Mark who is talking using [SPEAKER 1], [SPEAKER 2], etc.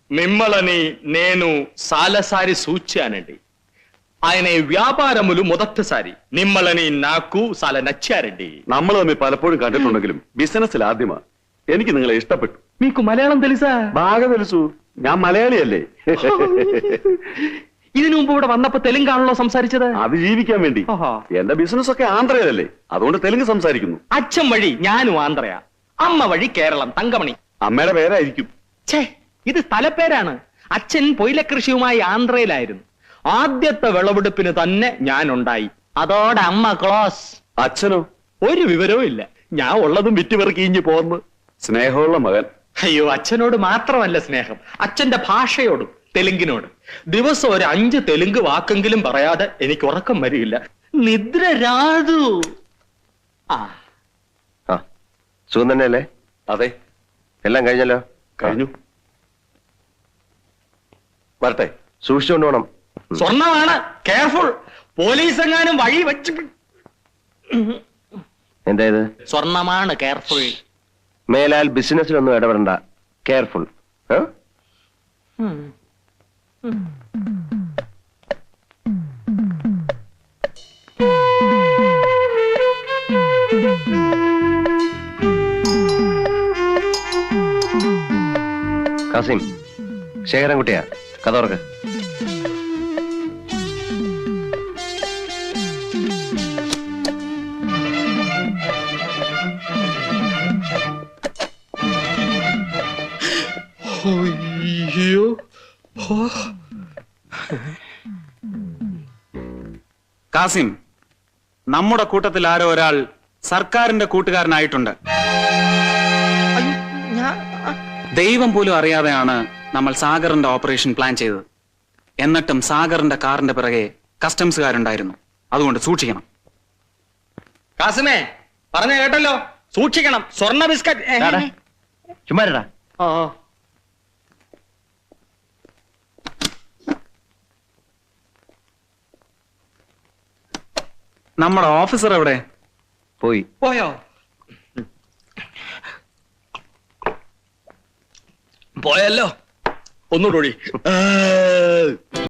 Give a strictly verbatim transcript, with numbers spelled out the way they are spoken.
[SPEAKER 1] మిమ్మల్ని నేను సాలసారి సూచానండి. ఆయన വ്യാപാരములు మొదటిసారి നിമ്മളനി നാക്കു സാല നച്ചാരണ്ടി.
[SPEAKER 2] നമ്മൾ തമ്മിൽ പലപ്പോഴും കണ്ടിട്ടുണ്ടെങ്കിലും ബിസിനസ്സിൽ ആദ്യമാ. എനിക്ക് നിങ്ങളെ ഇഷ്ടപ്പെട്ടു.
[SPEAKER 1] మీకు മലയാളം తెలుసా?
[SPEAKER 2] బాగా తెలుసు. ഞാൻ മലയാളിയല്ലേ.
[SPEAKER 1] ഇതിനു മുമ്പ് ഇവിടെ വന്നപ്പോ തെലുങ്കാണല്ലോ സംസാരിച്ചത്?
[SPEAKER 2] അത് ജീവിക്കാൻ വേണ്ടി. എന്റെ ബിസിനസ് ഒക്കെ ആന്ധ്രയിലല്ലേ, അതുകൊണ്ട് തെലുങ്ക് സംസാരിക്കുന്നു.
[SPEAKER 1] അച്ഛൻ വഴി ഞാനും ആന്ധ്രയാ, അമ്മ വഴി കേരളം, തങ്കമണി.
[SPEAKER 2] അമ്മയുടെ പേരായിരിക്കും.
[SPEAKER 1] ഛേ, ഇത് സ്ഥലപ്പേരാണ്. അച്ഛൻ പൊയിലക്കൃഷിയുമായി ആന്ധ്രയിലായിരുന്നു. ആദ്യത്തെ വിളവെടുപ്പിന് തന്നെ ഞാൻ ഉണ്ടായി. അതോടെ അമ്മ ക്ലോസ്.
[SPEAKER 2] അച്ഛനോ?
[SPEAKER 1] ഒരു വിവരവും ഇല്ല. ഞാൻ ഉള്ളതും വിറ്റുപെറുക്കിഞ്ഞു പോന്ന്.
[SPEAKER 2] സ്നേഹമുള്ള മകൻ.
[SPEAKER 1] അയ്യോ, അച്ഛനോട് മാത്രമല്ല സ്നേഹം, അച്ഛന്റെ ഭാഷയോടും, തെലുങ്കിനോട്. ദിവസം ഒരു അഞ്ച് തെലുങ്ക് വാക്കെങ്കിലും പറയാതെ എനിക്ക് ഉറക്കം വരികയില്ല. നിദ്ര രാതു. ആ
[SPEAKER 3] സുഖം തന്നെയല്ലേ?
[SPEAKER 2] അതെ,
[SPEAKER 3] എല്ലാം കഴിഞ്ഞല്ലോ.
[SPEAKER 2] കഴിഞ്ഞു. വരട്ടെ.
[SPEAKER 3] സൂക്ഷിച്ചുകൊണ്ട് പോണം.
[SPEAKER 1] സ്വർണമാണ്, കെയർഫുൾ. പോലീസ് എങ്ങാനും വഴി വെച്ച്.
[SPEAKER 3] എന്താ ഇത്?
[SPEAKER 1] സ്വർണമാണ്, കെയർഫുൾ.
[SPEAKER 3] മേലാൽ ബിസിനസ്സിലൊന്നും ഇടപെടണ്ട. കെയർഫുൾ. കാസിം, ശേഖരൻകുട്ടിയാ, കഥ തുറക്ക്.
[SPEAKER 4] കാസിം, നമ്മുടെ കൂട്ടത്തിൽ ആരോ ഒരാൾ സർക്കാരിന്റെ കൂട്ടുകാരനായിട്ടുണ്ട്. ദൈവം പോലും അറിയാതെയാണ് നമ്മൾ സാഗറിന്റെ ഓപ്പറേഷൻ പ്ലാൻ ചെയ്തത്. എന്നിട്ടും സാഗറിന്റെ കാറിന്റെ പിറകെ കസ്റ്റംസുകാരുണ്ടായിരുന്നു. അതുകൊണ്ട് സൂക്ഷിക്കണം.
[SPEAKER 1] കാസിമേ, പറഞ്ഞ കേട്ടല്ലോ, സൂക്ഷിക്കണം. സ്വർണ്ണ ബിസ്ക്കറ്റ്.
[SPEAKER 3] ചുമ്മാരടാ.
[SPEAKER 4] നമ്മുടെ ഓഫീസർ എവിടെ?
[SPEAKER 3] പോയി.
[SPEAKER 1] പോയോ? പോയല്ലോ. ഒന്നുകൂടി.